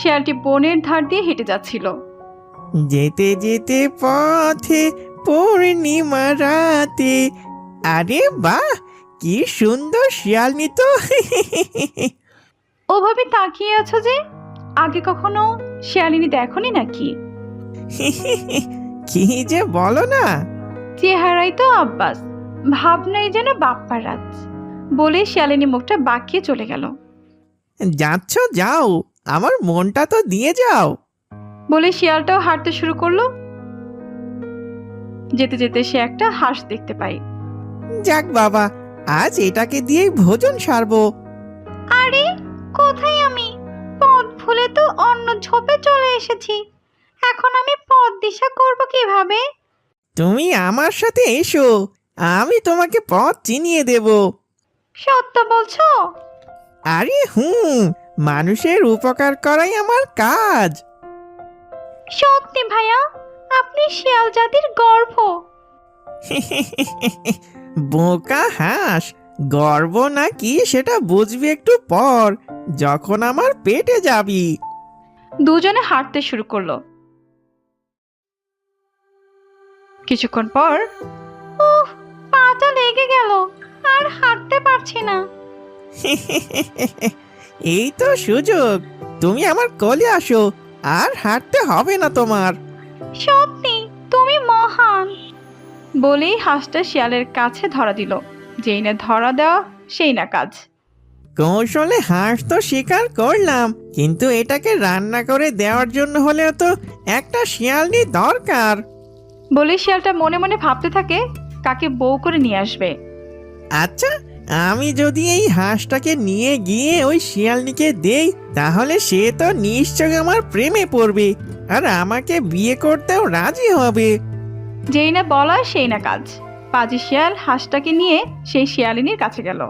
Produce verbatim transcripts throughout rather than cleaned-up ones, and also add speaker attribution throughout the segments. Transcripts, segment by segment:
Speaker 1: শিয়ালটি বনের ধার দিয়ে হেঁটে যাচ্ছিল।
Speaker 2: যেতে যেতে পথে পূর্ণিমা রাতে, আরে বাহ, কি সুন্দর শিয়ালনি তো।
Speaker 1: ওভাবে তাকিয়ে আছো যে, আগে কখনো শিয়ালিনী দেখনি নাকি?
Speaker 2: কি যে বলো না।
Speaker 1: চেহারাই তো আব্বাস, ভাবনাই যেন বাপ্পার রাজ। বলে শিয়ালিনী মুখটা বাঁকিয়ে চলে গেল।
Speaker 2: যাচ্ছ যাও, আমার মনটা তো দিয়ে যাও।
Speaker 1: বলে শিয়ালটাও হাঁটতে শুরু করলো। যেতে যেতে সে একটা হাঁস দেখতে পায়।
Speaker 2: যাক বাবা, আজ এটাকে দিয়েই ভোজন সারবো।
Speaker 1: আরে কোথায় আমি? পথ ভুলে তো অন্য ঝোপে চলে এসেছি। এখন আমি পথ দিশা করব কিভাবে?
Speaker 2: তুমি আমার সাথে এসো, আমি তোমাকে পথ চিনিয়ে দেব।
Speaker 1: সত্য বলছো?
Speaker 2: আরে হুম, মানুষের উপকার করাই আমার কাজ।
Speaker 1: সত্যি ভাইয়া, আপনি শিয়াল জাতির গর্ব।
Speaker 2: বোকা হাঁস, গর্ব নাকি সেটা বুঝবি একটু পর, যখন আমার পেটে যাবি।
Speaker 1: দুজনে হাঁটতে শুরু করলো। কিছুক্ষণ পর, উফ, পাটা লেগে গেল, আর হাঁটতে পারছি না।
Speaker 2: এই তো সুযোগ, তুমি আমার কোলে আসো, আর হাঁটতে হবে না তোমার।
Speaker 1: সত্যি তুমি মহান। বলেই হাঁসটা শিয়ালের কাছে ধরা দিল। যেই না ধরা দেওয়া সেই না কাজ।
Speaker 2: কৌশলে হাঁস তো শিকার করলাম, কিন্তু এটাকে রান্না করে দেওয়ার জন্য হলেও তো একটা শিয়ালনি দরকার।
Speaker 1: বলে শিয়ালটা মনে মনে ভাবতে থাকে কাকে বউ করে নিয়ে আসবে।
Speaker 2: আচ্ছা, আমি যদি এই হাঁসটাকে নিয়ে গিয়ে ওই শিয়ালনিকে দেই, তাহলে সে তো নিশ্চয় আমার প্রেমে পড়বে, আর আমাকে বিয়ে করতেও রাজি হবে।
Speaker 1: যেই না বলা সেই না কাজ। পাজি শিয়াল হাঁসটাকে নিয়ে সেই শিয়ালিনীর কাছে গেল।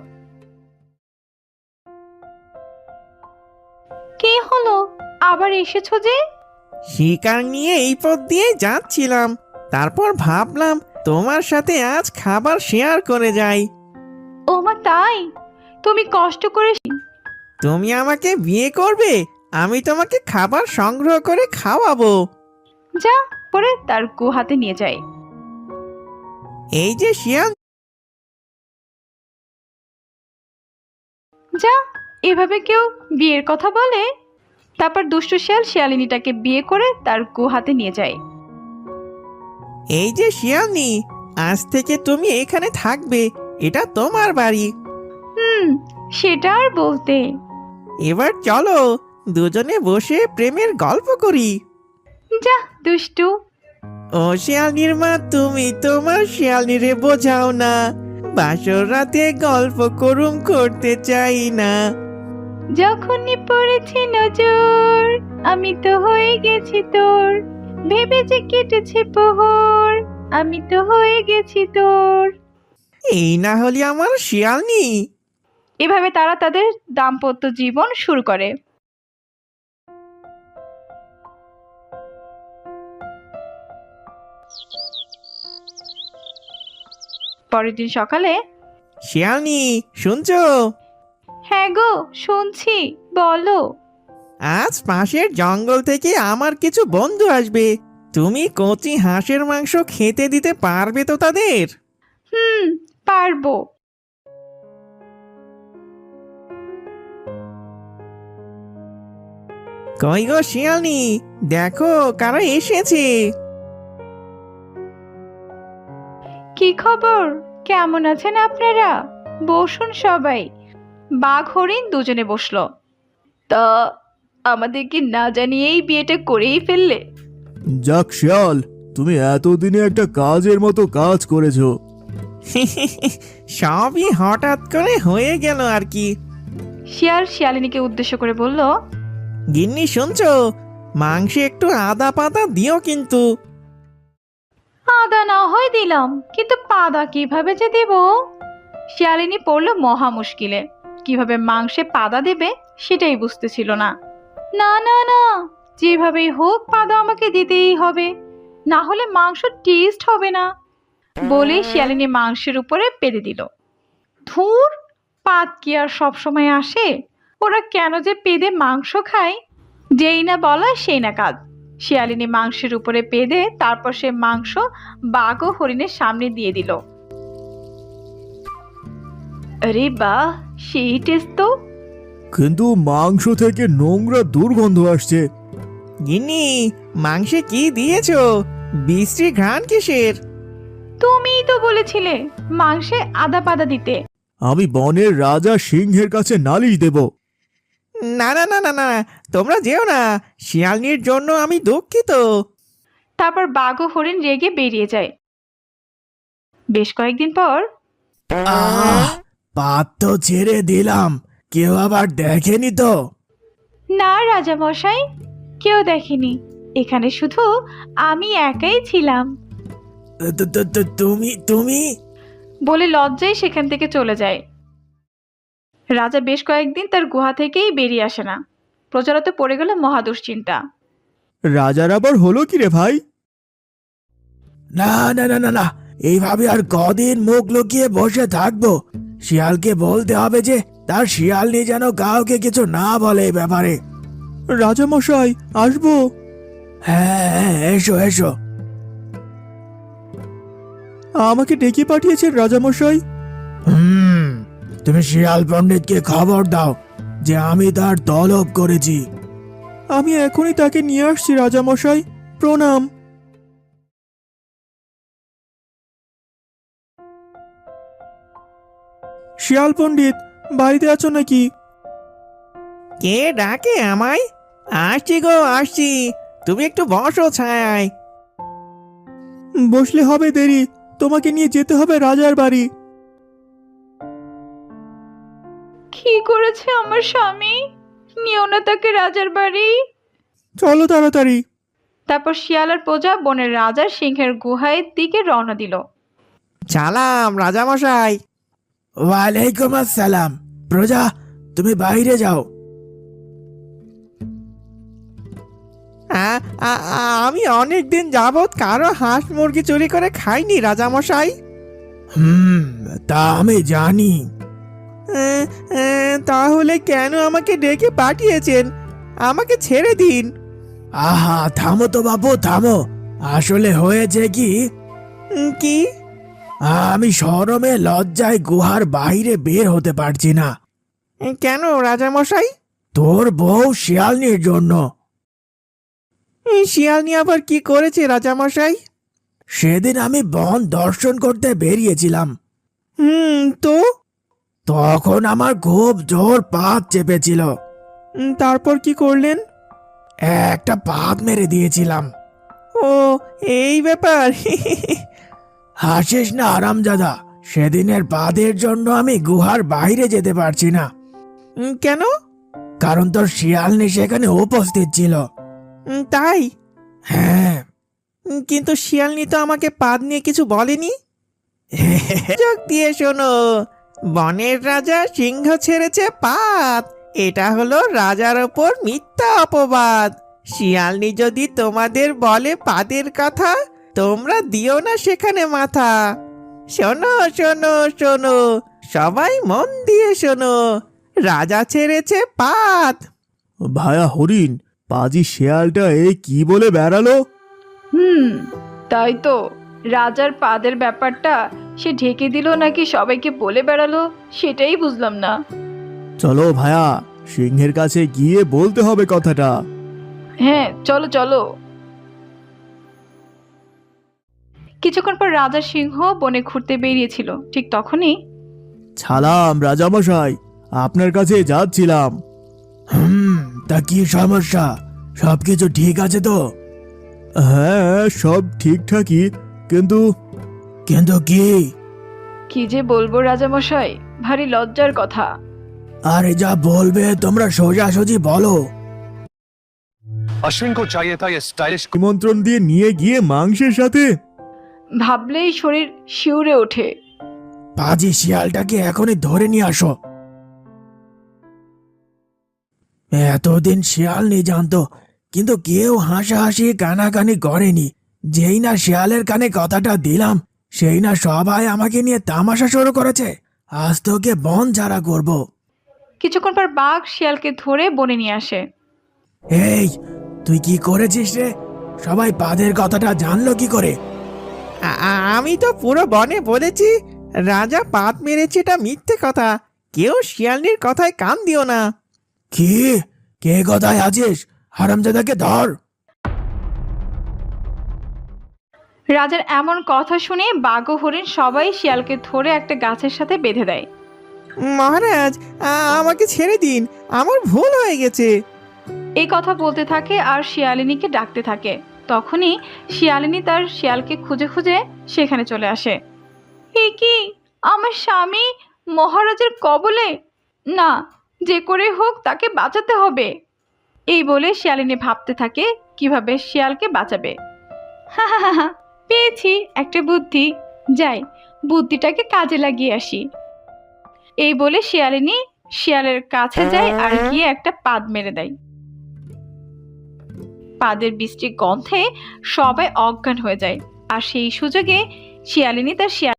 Speaker 1: কি হলো, আবার এসেছো যে?
Speaker 2: শিকার নিয়ে এই পথ দিয়ে যাচ্ছিলাম, তারপর ভাবলাম তোমার সাথে আজ খাবার শেয়ার করে যাই।
Speaker 1: ও মা, তাই? তুমি কষ্ট করে।
Speaker 2: তুমি আমাকে বিয়ে করবে, আমি তোমাকে খাবার সংগ্রহ করে খাওয়াবো।
Speaker 1: যা, পরে তার গুহাতে নিয়ে যায়।
Speaker 2: এই যে শিয়াল,
Speaker 1: যা, এভাবে কেউ বিয়ের কথা বলে? তারপর দুষ্টু শিয়াল শিয়ালিনীটাকে বিয়ে করে তার গুহাতে নিয়ে যায়।
Speaker 2: এই যে শিয়ালনি, আজ থেকে তুমি এখানে থাকবে, এটা তোমার বাড়ি।
Speaker 1: হুম, সেটা আর বলতে।
Speaker 2: এবার চলো, দুজনে বসে প্রেমের গল্প করি।
Speaker 1: যা দুষ্টু।
Speaker 2: ও শিয়ালনির মা, তুমি তোমার শিয়ালনিরে বোঝাও না, বাসর রাতে গল্প করুম করতে চাই না।
Speaker 1: যখনই পড়েছি নজর, আমি তো হয়ে গেছি তোর। ভেবে যে কেটেছে প্রহর, আমি তো হয়ে গেছি তোর।
Speaker 2: এই না হলে আমার শিয়ালনি।
Speaker 1: এভাবে তারা তাদের দাম্পত্য জীবন শুরু করে। পরের দিন সকালে।
Speaker 2: শিয়ালনি, শুনছো?
Speaker 1: হ্যাঁ গো, শুনছি, বলো।
Speaker 2: আজ পাশের জঙ্গল থেকে আমার কিছু বন্ধু আসবে, তুমি কচি হাঁসের মাংস খেতে দিতে পারবে তো তাদের?
Speaker 1: হুম, পারবো।
Speaker 2: কই গো শিয়ালনি, দেখো কারা এসেছে।
Speaker 1: কি খবর, কেমন আছেন আপনারা? বসুন সবাই। বাঘ হরিণ দুজনে বসলো। তা আমাদের কি না জানিয়েই বিয়েটা করেই ফেললে?
Speaker 3: যাক শিয়াল, তুমি এতদিনে একটা কাজের মতো কাজ করেছো।
Speaker 2: সবই হঠাৎ করে হয়ে গেল আর কি।
Speaker 1: শিয়াল শিয়ালিনীকে উদ্দেশ্য করে বলল,
Speaker 2: গিন্নি শুনছো, মাংসে একটু আদা পাতা দিও কিন্তু।
Speaker 1: আদা না হয় দিলাম, কিন্তু পাদা কিভাবে যে দেব? শিয়ালিনী পড়লো মহা মুশকিলে। কিভাবে মাংসে পাদা দেবে সেটাই বুঝতেছিল না। না না না, যেভাবেই হোক পাদা আমাকে দিতেই হবে, না হলে মাংস টেস্ট হবে না। বলে শিয়ালিনী মাংসের উপরে পেদে দিল। ধুর, পাত কি আর সব সময় আসে? ওরা কেন যে পেদে মাংস খায়? যেই না বলা সেই না কাজ। শিয়ালিনী মাংসের উপরে বেঁধে তারপর সে মাংস বাঘ ও হরিণের সামনে দিয়ে দিল। আরে বাহ, সেই টেস্ট তো।
Speaker 3: কিন্তু মাংস থেকে নোংরা দুর্গন্ধ আসছে।
Speaker 2: গিন্নি, মাংসে কি দিয়েছো? বিশ্রী ঘ্রাণ কিসের?
Speaker 1: তুমিই তো বলেছিলে মাংসে আদা পাদা দিতে।
Speaker 3: আমি বনের রাজা সিংহের কাছে নালিশ দেব।
Speaker 2: না না না না না, তোমরা যেও না, শিয়ালনির জন্য আমি দুঃখিত।
Speaker 1: তারপর বাঘ ও হরিণ রেগে বেরিয়ে যায়। বেশ কয়েকদিন পর
Speaker 3: আহ, পাত তো ছেড়ে দিলাম, কেউ আবার দেখেনি তো?
Speaker 1: না রাজা মশাই, কেউ দেখেনি, এখানে শুধু আমি একাই ছিলাম
Speaker 3: তো- তো- তো তুমি তুমি
Speaker 1: বলে লজ্জায় সেখান থেকে চলে যায়। রাজা বেশ কয়েকদিন তার গুহা থেকেই বেরিয়ে আসে না। প্রজারা তো পড়ে গেল মহা দুশ্চিন্তা।
Speaker 3: রাজার আবার হলো কি রে ভাই? না না না না না, এইভাবে আর কদিন মুখ লুকিয়ে বসে থাকবো? শিয়ালকে বলতে হবে যে তার শিয়ালনি যেন কাউকে কিছু না বলে এই ব্যাপারে। রাজা মশাই, আসবো? হ্যাঁ হ্যাঁ, এসো এসো। আমাকে ডেকে পাঠিয়েছেন রাজা মশাই? হুম, তুমি শিয়াল পণ্ডিতকে খবর দাও যে আমি তার তলব করেছি। আমি এখনই তাকে নিয়ে আসছি রাজা মশাই, প্রণাম। শিয়াল পণ্ডিত, বাড়িতে আছো নাকি?
Speaker 2: কে ডাকে আমায়? আসছি গো, আসছি। তুমি একটু বসো ছায়।
Speaker 3: বসলে হবে দেরি, তোমাকে নিয়ে যেতে হবে রাজার বাড়ি।
Speaker 1: কি করেছে আমার স্বামী? নিও না তাকে রাজার বাড়ি।
Speaker 3: চলো তাড়াতাড়ি।
Speaker 1: তারপর শিয়াল আর প্রজা বনের রাজার সিংহের গুহার দিকে রওনা দিল।
Speaker 2: সালাম রাজামশাই।
Speaker 3: ওয়ালাইকুম আসসালাম। প্রজা, তুমি বাইরে যাও।
Speaker 2: আ- আ- আ- আমি অনেক দিন যাবৎ কারো হাঁস মুরগি চুরি করে খাইনি রাজামশাই।
Speaker 3: হুম, তা আমি জানি।
Speaker 2: এ, এ, তাহলে কেন আমাকে ডেকে পাঠিয়েছেন? আমাকে ছেড়ে দিন।
Speaker 3: আহা, থামো তো বাবু, থামো। আসলে হয়েছে কি,
Speaker 2: উম, কি?
Speaker 3: আমি শরমে লজ্জায় গুহার বাইরে বের হতে পারছি না।
Speaker 2: এ, কেন রাজামশাই?
Speaker 3: তোর বউ শিয়ালনির জন্য।
Speaker 2: এই শিয়ালনি আবার কি করেছে রাজামশাই?
Speaker 3: সেদিন আমি বন দর্শন করতে বেরিয়েছিলাম।
Speaker 2: হুম, তো?
Speaker 3: তখন আমার খুব জোর পাত চেপেছিল।
Speaker 2: উম, তারপর কি করলেন?
Speaker 3: একটা পাত মেরে দিয়েছিলাম।
Speaker 2: ও, এই ব্যাপার।
Speaker 3: হাসিস না আরামজাদা, সেদিনের পাদের জন্য আমি গুহার বাইরে যেতে পারছি না।
Speaker 2: উম, কেন?
Speaker 3: কারণ তোর শিয়ালনি সেখানে উপস্থিত ছিল।
Speaker 2: উম, তাই?
Speaker 3: হ্যাঁ।
Speaker 2: উম, কিন্তু শিয়ালনি তো আমাকে পাদ নিয়ে কিছু বলেনি। চোখ দিয়ে শোনো, বনের রাজা সিংহ ছেড়েছে পাত, এটা হলো রাজার ওপর মিথ্যা অপবাদ। শিয়ালনি যদি তোমাদের বলে পাদের কথা, তোমরা দিও না সেখানে মাথা। শোনো শোনো শোনো, সবাই মন দিয়ে শোনো, রাজা ছেড়েছে পাত।
Speaker 3: ভায়া হরিণ, পাজি শেয়ালটা এই কি বলে বেড়ালো?
Speaker 1: হুম, তাই তো। রাজার পাদের ব্যাপারটা সে ঢেকে দিল নাকি সবাইকে বলে বেড়ালো, সেটাই বুঝলাম না।
Speaker 3: চলো ভায়া, সিংহের কাছে গিয়ে বলতে হবে কথাটা।
Speaker 1: হ্যাঁ, চলো চলো। কিছুক্ষণ পর রাজা সিংহ বনে ঘুরতে বেরিয়েছিল। ঠিক তখনই
Speaker 3: সালাম রাজামশাই, আপনার কাছে যাচ্ছিলাম। হুম, তা কি সমস্যা? সবকিছু ঠিক আছে তো? হ্যাঁ, সব ঠিকঠাকই, কিন্তু কিন্তু কি?
Speaker 1: কি যে বলবো রাজামশাই, ভারী লজ্জার কথা।
Speaker 3: আরে যা বলবে তোমরা সোজাসুজি বলো।
Speaker 4: अश्विन को चाहिए था ये स्टाइलिश
Speaker 3: নিমন্ত্রণ দিয়ে নিয়ে গিয়ে মাংসের সাথে
Speaker 1: ভাবলেই শরীর শিউরে ওঠে।
Speaker 3: পাজি শিয়ালটাকে এখনই ধরে নিয়ে আসো। এতদিন শিয়াল নেই জানতো, কিন্তু কেউ হাসাহাসি কানাকানি করেনি। যেই না শিয়ালের কানে কথাটা দিলাম, সেই না সবাই আমাকে নিয়ে তামাশা শুরু করেছে। আজ তোকে বন ছাড়া করব।
Speaker 1: কিছুক্ষণ পর বাঘ শিয়ালকে ধরে বনে নিয়ে আসে।
Speaker 3: এই তুই কি করেছিস রে? সবাই পাদের কথাটা জানলো কি করে?
Speaker 2: আ- আ- আমি তো পুরো বনে বলেছি রাজা পাত মেরেছে, এটা মিথ্যে কথা। কেউ শিয়ালনির কথায় কান দিও না।
Speaker 3: কি? কে কথায় আছিস? হারামজাদাকে ধর।
Speaker 1: রাজার এমন কথা শুনে বাঘ ও হরিণ সবাই শিয়ালকে ধরে একটা গাছের সাথে বেঁধে দেয়।
Speaker 2: মহারাজ, আ- আমাকে ছেড়ে দিন, আমার ভুল হয়ে গেছে।
Speaker 1: এই কথা বলতে থাকে আর শিয়ালিনীকে ডাকতে থাকে। তখনই শিয়ালিনী তার শিয়ালকে খুঁজে খুঁজে সেখানে চলে আসে। এ কি, আমার স্বামী মহারাজের কবলে! না, যে করে হোক তাকে বাঁচাতে হবে। এই বলে শিয়ালিনী ভাবতে থাকে কিভাবে শিয়ালকে বাঁচাবে। হা হা হা হা, পেয়েছি একটা বুদ্ধি। যাই, বুদ্ধিটাকে কাজে লাগিয়ে আসি। এই বলে শিয়ালিনী শিয়ালের কাছে যায় আর গিয়ে একটা পাদ মেরে দেয়। পাদের বৃষ্টির গন্ধে সবাই অজ্ঞান হয়ে যায়। আর সেই সুযোগে শিয়ালিনী তার শিয়াল